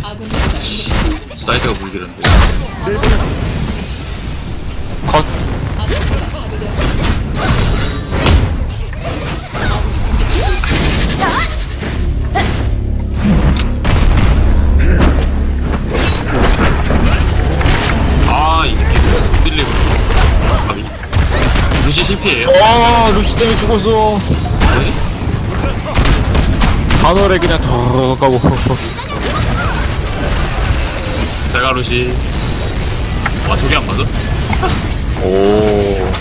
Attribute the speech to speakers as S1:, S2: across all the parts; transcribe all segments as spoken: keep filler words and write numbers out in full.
S1: 사이드가 물기란데.
S2: 컷.
S1: 아, 이 새끼 흔들리고. 가비. 루시 실패예요.
S2: 아, 루시 때문에 죽었어.
S1: 네?
S2: 단월에 그냥 더 가고.
S1: 제가 루시. 와, 저게 안 맞아?
S2: 오.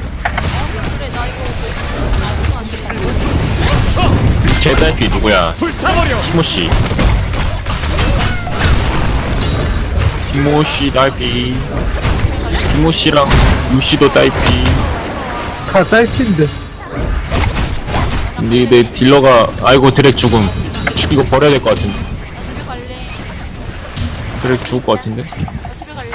S2: 제 딸피 누구야? 티모시. 티모시 딸피. 티모시랑 루시도 딸피.
S3: 다 쌀친데.
S2: 근데 내 딜러가 아이고 드랙 죽음. 이거 버려야 될 것 같은데.
S4: 집에 갈래.
S2: 드랙 죽을 것 같은데.
S4: 집에 갈래.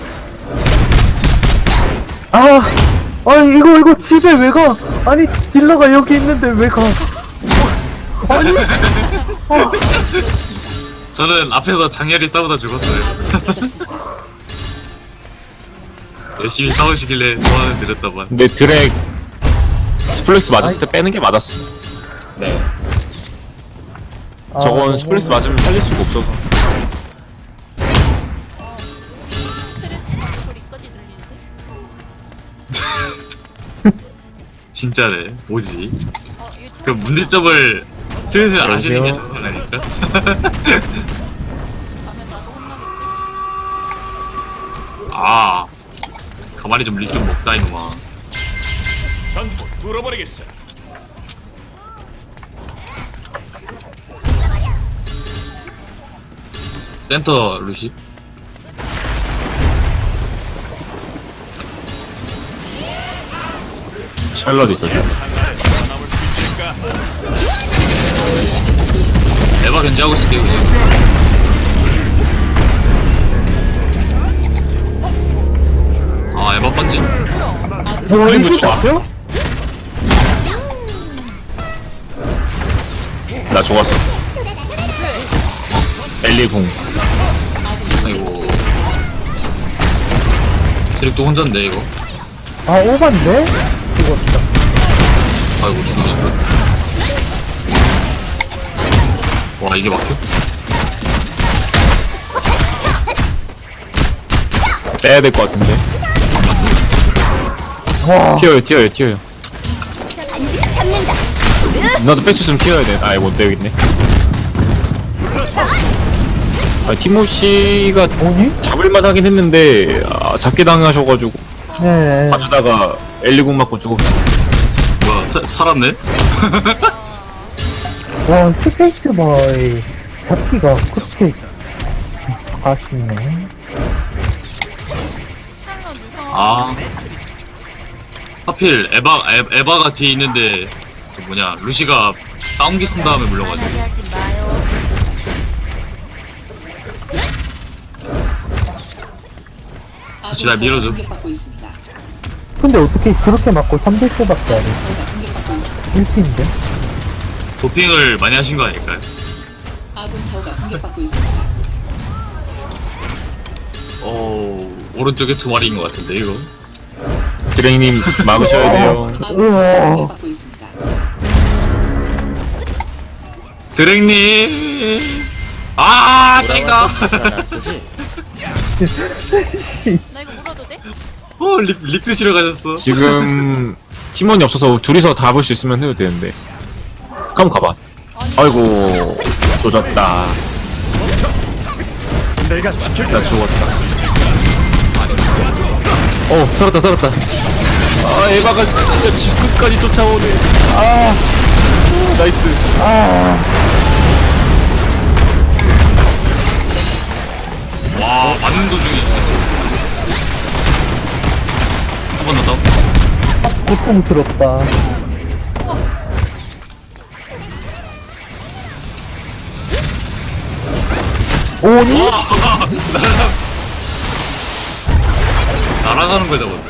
S3: 아, 아니 이거 이거 집에 왜 가? 아니 딜러가 여기 있는데 왜 가? 아니,
S1: 저는 앞에서 장렬히 싸우다 죽었어요. 열심히 싸우시길래 소환을 드렸다만.
S2: 근데 드랙 스플렉스 맞았을 때 빼는 게 맞았어. 네.
S3: 아,
S2: 저건
S3: 너무-
S2: 스플렉스 맞으면 살릴 수가 없어서.
S4: 스트레스 받는 소리까지 들리는데?
S1: 진짜네. 뭐지?
S4: 어, 유튜브
S1: 그 문제점을 슬슬 아시는 게
S3: 여보세요?
S1: 좋다니까.
S4: 가면 나도 혼나겠지.
S1: 아, 가만히 좀 립 좀 먹다 이놈아.
S5: 전부 뚫어버리겠어.
S1: 센터 루시.
S2: 샬럿 있어.
S5: 남을 수 있을까?
S1: 에바 견제하고 있을게요 그냥. 아, 에바 번진.
S3: 어,
S2: 이거
S3: 이거
S2: 좋아.
S3: 봤어요?
S2: 나 죽었어. 엘리 궁.
S1: 아이고. 드릭도 혼잔데 이거.
S3: 아 오반데? 죽었다.
S1: 아이고 죽으셨다. 와, 이게 막혀?
S2: 빼야 될 것 같은데.
S3: 와,
S2: 튀어요, 튀어요, 튀어요. 나도 뺄 수 있으면 튀어야 돼. 아이, 못 되겠네. 아, 티모시가
S3: 뭐니?
S2: 잡을만 하긴 했는데, 아, 잡게 당하셔가지고,
S3: 네.
S2: 맞으다가 엘리 궁 맞고 죽었어.
S1: 뭐야, 사, 살았네?
S3: 와 스페이스바의 잡기가 그렇게 아쉽네.
S4: 샬럿 유성.
S1: 아. 하필 에바, 에, 에바가 뒤에 있는데, 그 뭐냐, 루시가 다운기 쓴 다음에 물려가지고.
S6: 하지 마요.
S1: 같이 날 밀어줘.
S3: 근데 어떻게 그렇게 맞고 삼 대수밖에 안 해? 일 팀인데?
S1: 도핑을 많이 하신 거 아닐까요? 어, 오른쪽에 두 마리인 것 같은데, 이거.
S2: 드랭님 막으셔야 돼요.
S3: 우와.
S1: 드랭님! 아, 땡가!
S4: 나 이거 물어도 돼?
S1: 어, 립, 립 드시러 가셨어.
S2: 지금 팀원이 없어서 둘이서 다 볼 수 있으면 해도 되는데. 그럼 가봐.
S4: 아니.
S2: 아이고, 조졌다.
S5: 내가 지킬
S2: 나 죽었다. 어, 살았다, 살았다. 아, 에바가 진짜 지 끝까지 쫓아오네. 아, 나이스.
S1: 와, 맞는 도중에. 한 번 더 다운.
S3: 고통스럽다. 오니?
S1: 와, 날아가. 날아가는 걸 잡았네.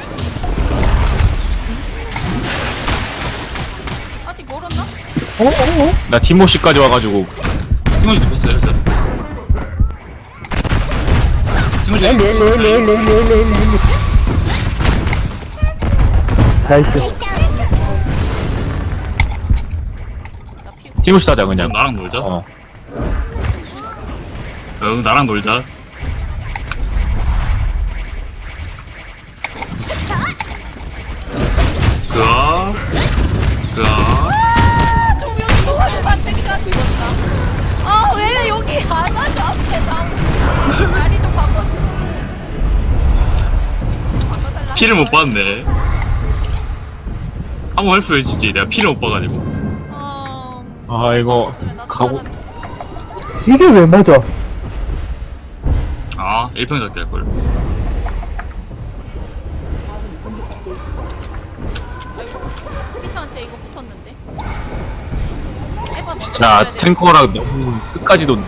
S4: 아직 멀었나?
S3: 어? 어? 어?
S2: 나 티모시까지 와가지고
S1: 티모시 눕혔어요, 일단. 팀을
S3: 엘리 엘리 엘리 엘리 엘리 엘리 엘리 엘리. 나이스.
S4: 나 피고.
S2: 팀을 따자 그냥.
S1: 그럼 나랑 놀자.
S2: 어.
S1: 응, 나랑 놀자. 그아, 그아.
S4: 조명이 도와줘 반대기가 들었다. 아 왜 여기 안 와줘 앞에 나 자리 좀 바꿔줘. 바꿔달라.
S1: 피를 못 봤네. 한번 헬프 외치지. 내가 피를 못 봐가지고.
S4: 어...
S2: 아 이거
S4: 나도
S2: 가고.
S4: 살았네.
S3: 이게 왜 맞아?
S1: 아, 일 평 잡기 할걸.
S4: 피터한테 이거 붙었는데. 에바 먼저
S2: 진짜
S4: 먹어야 돼.
S2: 탱커랑 너무 끝까지 돈.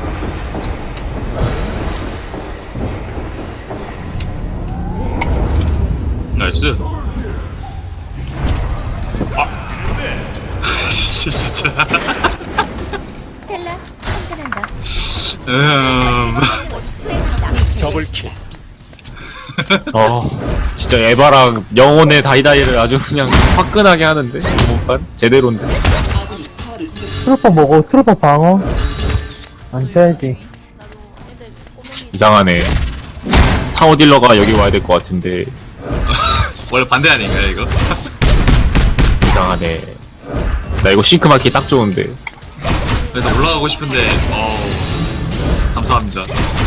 S1: 나이스. 아. 진짜.
S6: 스텔라 충전한다.
S1: 음.
S5: 더블킬.
S2: 어 진짜 에바랑 영혼의 다이다이를 아주 그냥 화끈하게 하는데 이번판 제대로인데.
S3: 트루퍼 먹어. 트루퍼 방어. 안 쳐야지.
S4: 나도 애들 꼬맹이
S2: 이상하네. 타워 딜러가 여기 와야 될 것 같은데
S1: 원래 반대 아닌가요, 이거?
S2: 이상하네. 나 이거 싱크 맞기 딱 좋은데.
S1: 그래서 올라가고 싶은데, 어 감사합니다.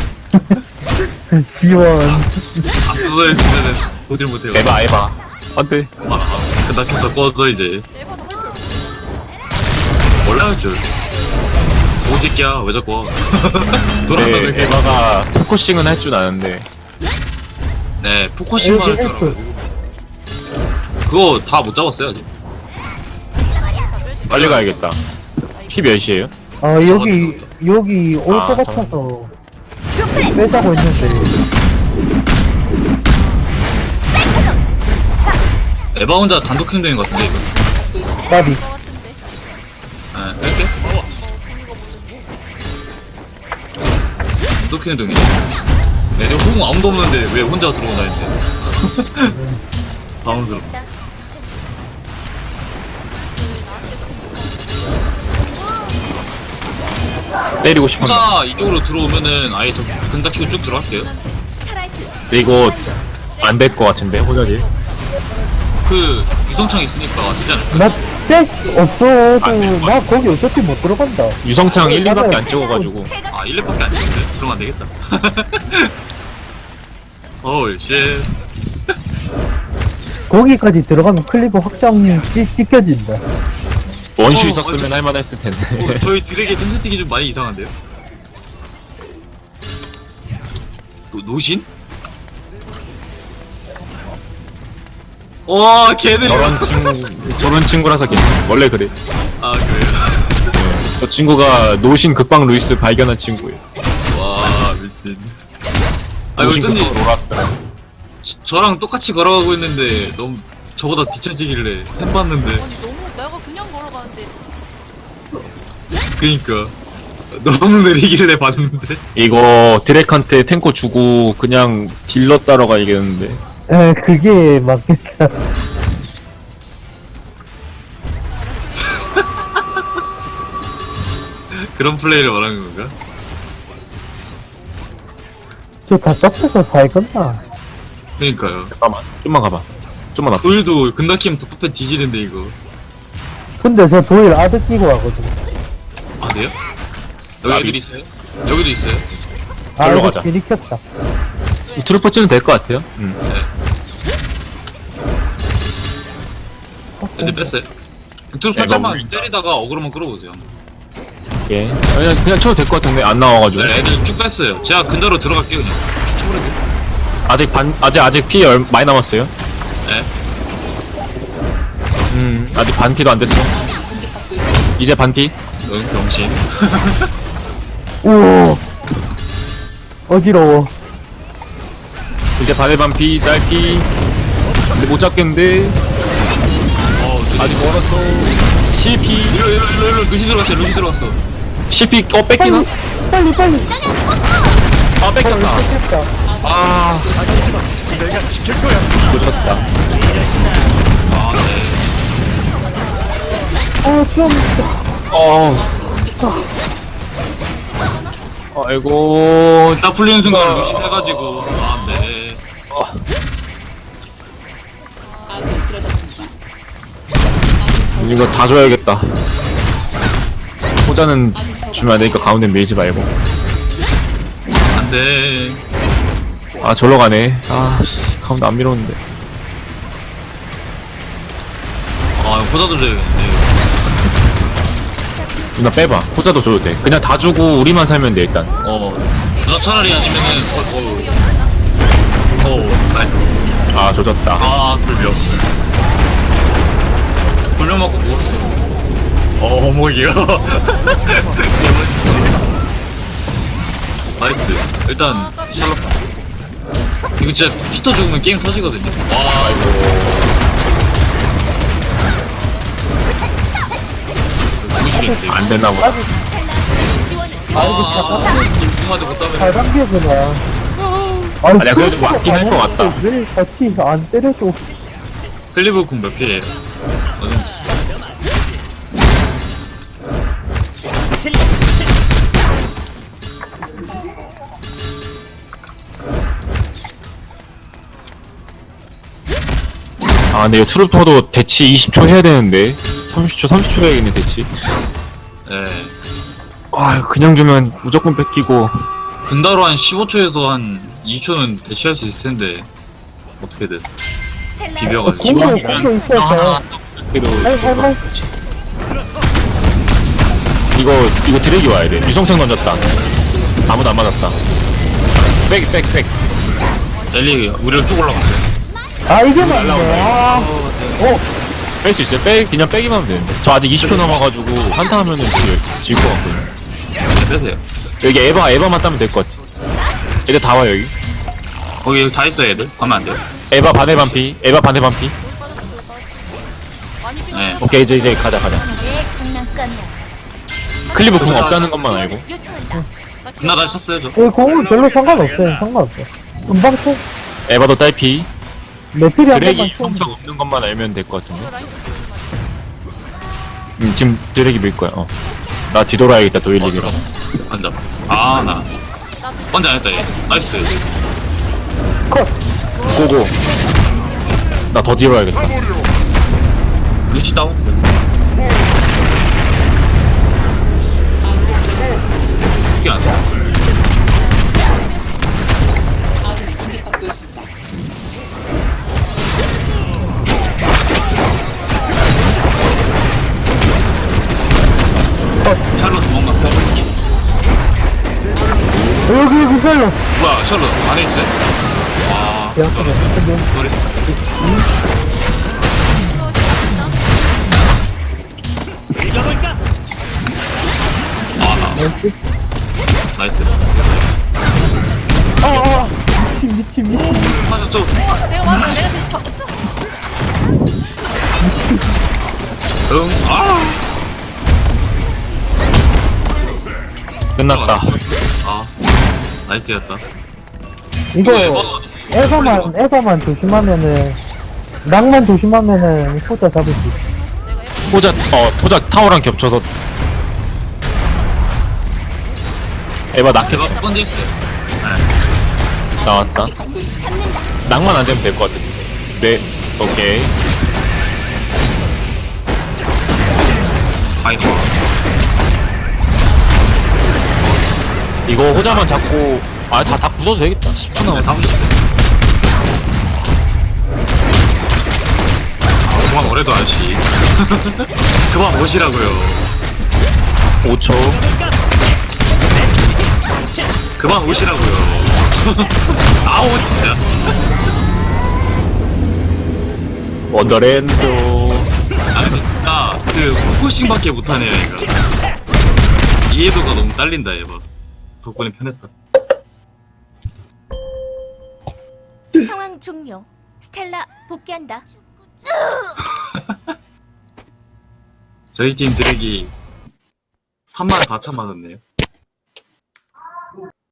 S3: 지원.
S1: 앞서서 했으면은 보질 못해요.
S2: 에바 에바. 안돼.
S1: 아, 끝났겠어. 꺼져, 이제.
S4: 에바도 할줄
S1: 원래 할 줄. 오지끼야, 왜 자꾸 와. 돌아가는
S2: 네,
S1: 게.
S2: 에바가 포커싱은 할 줄 아는데.
S1: 네, 포커싱만 할 줄 알아요. 그거 다 못 잡았어요, 아직.
S2: 빨리 가야겠다. 피 몇이에요?
S3: 아 여기 여기 올
S2: 아,
S3: 것 같아서 빼자고 했는데.
S1: 에바 혼자 단독 행동인 것 같은데, 이거.
S3: 까비.
S4: 것 같은데.
S1: 네, 뺄게. 단독 행동이네. 네, 저 호응 아무도 없는데 왜 혼자 들어오나 했는데. 당황스럽다.
S2: 때리고 싶은데.
S1: 혼자 이쪽으로 들어오면은 아예 저 근다 키고 쭉 들어갈게요.
S2: 근데 이거 안 될 것 같은데 호전이.
S1: 그 유성창 있으니까 되지 않을까?
S3: 나백 없어도 나 거기 어차피 못 들어간다.
S2: 유성창 일, 이밖에 안 찍어가지고.
S1: 아, 일 렙밖에 안 찍었네. 그러면 안 되겠다. 어우, 쉣.
S3: 거기까지 들어가면 클리브 확장 찍, 찍혀진다.
S2: 원슈
S1: 어,
S2: 있었으면
S1: 어,
S2: 할만했을 텐데.
S1: 어, 저희 드랙의 텐트틱이 좀 많이 이상한데요? 노, 노신? 와, 걔들이.
S2: 저런 친구, 저런 친구라서 괜찮아. 원래 그래.
S1: 아, 그래요?
S2: 네. 저 친구가 노신 극방 루이스 발견한 친구예요.
S1: 와, 미친. 아, 이거
S2: 노신
S1: 어쩐지
S2: 극방 로라스.
S1: 저- 저랑 똑같이 걸어가고 있는데 너무 저보다 뒤처지길래 템 봤는데.
S4: 아니 너무 내가 그냥 걸어가는데
S1: 그니까. 너무 느리길래 봤는데.
S2: 이거 드랙한테 탱커 주고 그냥 딜러 따러 가야겠는데.
S3: 에 그게 맞겠다.
S1: 그런 플레이를 말하는 건가?
S3: 저 답답해서 살건나.
S1: 그니까요.
S2: 잠깐만, 좀만 가봐. 좀만 앞.
S1: 도일도 근다키면 답답해 뒤지는데 이거.
S3: 근데 저 도일 아드 끼고 가거든.
S1: 아, 돼요? 여기
S2: 나비.
S1: 애들 있어요? 여기도 있어요?
S3: 아
S2: 걸로
S3: 이거
S2: 가자.
S3: 괜히 켰다.
S2: 트루퍼 치면 될 것 같아요. 음.
S1: 애들 뺐어요. 쭉
S2: 애가
S1: 살짝만
S2: 울린다.
S1: 때리다가 어그로만 끌어보세요.
S2: 예. 그냥, 그냥 쳐도 될 것 같은데 안 나와가지고.
S1: 네, 애들 쭉 뺐어요. 제가 근자로 들어갈게요 그냥. 쭉 쳐버려요.
S2: 아직 반, 아직, 아직 피 얼, 많이 남았어요.
S1: 네.
S2: 음, 아직 반 피도 안 됐어. 이제 반 피.
S1: 응, 병신.
S3: 오 어지러워.
S2: 이제 반의 반 피, 딸 피. 근데 못 잡겠는데.
S1: 어,
S2: 아직 멀었어. 십 피.
S1: 이리로, 이리로, 이리로, 이리로. 루시 들어갔어요. 루시 들어갔어.
S2: 십 피, 어, 뺏기나?
S3: 빨리 빨리 빨리.
S2: 아, 뺏겼다.
S3: 뺐다.
S2: 아,
S5: 내가 지킬 거야.
S2: 놓쳤다.
S1: 아, 네.
S3: 아, 좀.
S2: 어. 아이고.
S1: 딱 풀리는 순간 루시 해가지고. 아, 네.
S2: 이거 다 줘야겠다. 호자는 주면 안 되니까 가운데 밀지 말고.
S1: 안 돼.
S2: 아, 절로 가네. 아, 씨, 가운데 안 밀었는데.
S1: 아, 호자도 줘야겠네.
S2: 누나 빼봐. 호자도 줘도 돼. 그냥 다 주고 우리만 살면 돼, 일단.
S1: 어. 나 차라리 아니면은, 어, 어. 어, 나이스.
S2: 아, 조졌다.
S1: 아, 불병. 불병 맞고 누웠어. 어, 어머니야. 나이스. 일단, 샬롯. 이거 진짜 피터 죽으면 게임 터지거든요. 와, 아이고. 죽으시겠는데, 이거.
S2: 안 됐나 보다.
S1: 아, 누구한테 못
S3: 잘
S1: 따면.
S3: 당겨주나.
S2: 아니야, 그래도 맞긴 할 것 같다.
S3: 왜 같이 안 때려줘?
S1: 클리브 쿵몇 개예요? 어, 좀.
S2: 아, 근데 이거 트루퍼도 대치 이십 초 해야 되는데. 삼십 초, 삼십 초 해야겠네, 대치.
S1: 예.
S2: 아, 그냥 주면 무조건 뺏기고.
S1: 분다로 한 십오 초에서 한 이 초는 대시할 수 있을 텐데. 어떻게든. 비벼가지고.
S3: 공도 공도 있었어.
S2: 그래도
S3: 아이고 아이고.
S2: 이거 이거 드래기 와야 돼. 유성창 던졌다. 아무도 안 맞았다. 백, 백, 백.
S1: 엘리, 우리를 쭉 올라갔어요.
S3: 아 이게 맞네. 아.
S2: 뺄 수 있어요. 빼 그냥 빼기만 하면 되는데. 저 아직 이십 초 남아가지고 한타 하면은 질 것 같거든요.
S1: 네, 빼세요.
S2: 여기 에바 에바만 따면 될 것 같아. 애들 다 와 여기.
S1: 거기 다 있어요, 애들. 가면 안 돼요.
S2: 에바 반에 반피. 에바 반에 반피.
S4: 많이
S1: 네.
S4: 신경
S2: 오케이 이제 이제 가자 가자.
S6: 내 장난감이야.
S2: 클리브 궁 없다는 것만 알고.
S6: 요청한다.
S1: 나 다시 쳤어요, 저.
S3: 이 공은 별로 상관없어요. 상관없어. 금방 쳐.
S2: 에바도 딸피.
S3: 매트리 한 번만
S2: 드래기
S3: 쳐.
S2: 유성창 없는 것만 알면 될 것 같은데. 음, 지금 드래기 밀 거야. 어. 나 뒤돌아야겠다 도일리기랑.
S1: 앉아. 아, 나. 먼저 안 했다, 얘. 나이스.
S2: 고고. 나 더 뒤로 와야겠다.
S1: 루시 다운. 이게 안 돼. 샬롯 도망갔어.
S3: 여기 여기 살려.
S1: 뭐야, 샬롯 안에 있어요? 아,
S3: 야, 근데
S1: 노래.
S5: 잊어볼까?
S1: 아, 나. 나이스.
S3: 아, 아, 미친 미친 미친.
S1: 사실 좀.
S4: 내가 맞아, 내가 계속 바꿨어.
S1: 응, 아.
S2: 끝났다.
S1: 아, 나이스였다.
S3: 이거
S1: 에바,
S3: 에바만 에바만 조심하면은 낭만 조심하면은 호자 잡을 수 있어.
S2: 포자 어 포자 타워랑 겹쳐서 에바 낙했어.
S1: 제가 첫 번째 했어요.
S2: 나왔다. 낭만 안 되면 될 것 같은데. 네, 오케이.
S1: 아이고.
S2: 이거 호자만 잡고 아 다 다 부숴도 되겠다. 십 초
S1: 네,
S2: 남았어.
S1: 다 부셨어요. 아, 그만 오래도 아저씨. 그만 오시라고요.
S2: 오 초.
S1: 그만 오시라고요. 아우, 진짜.
S2: 원더랜드.
S1: 아니, 진짜, 그, 포싱밖에 못하네요, 얘가. 이해도가 너무 딸린다, 얘가. 덕분에 편했다.
S6: 상황 종료. 스텔라 복귀한다.
S1: 저희 팀 드랙이 삼만 사천 맞았네요.